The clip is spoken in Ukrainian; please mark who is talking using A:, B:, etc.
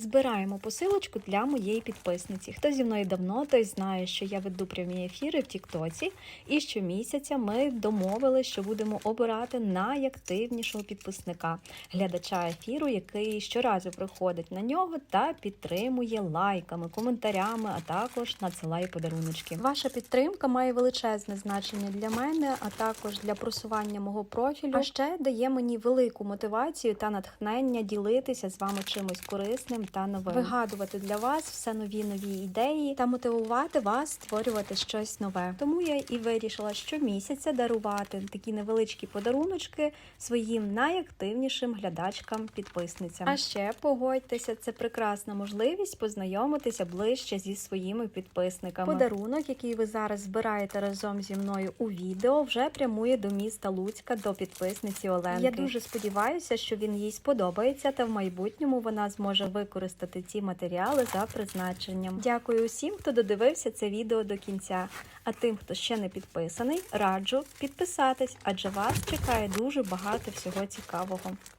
A: Збираємо посилочку для моєї підписниці. Хто зі мною давно, той знає, що я веду прямі ефіри в Тіктоці. І щомісяця ми домовилися, що будемо обирати найактивнішого підписника, глядача ефіру, який щоразу приходить на нього та підтримує лайками, коментарями, а також надсилає подаруночки. Ваша підтримка має величезне значення для мене, а також для просування мого профілю. А ще дає мені велику мотивацію та натхнення ділитися з вами чимось корисним та новим. Вигадувати для вас все нові ідеї та мотивувати вас створювати щось нове. Тому я і вирішила щомісяця дарувати такі невеличкі подаруночки своїм найактивнішим глядачкам-підписницям. А ще, погодьтеся, це прекрасна можливість познайомитися ближче зі своїми підписниками. Подарунок, який ви зараз збираєте разом зі мною у відео, вже прямує до міста Луцька, до підписниці Оленки. Я дуже сподіваюся, що він їй сподобається та в майбутньому вона зможе використати ці матеріали за призначенням. Дякую усім, хто додивився це відео до кінця. А тим, хто ще не підписаний, раджу підписатись, адже вас чекає дуже багато всього цікавого.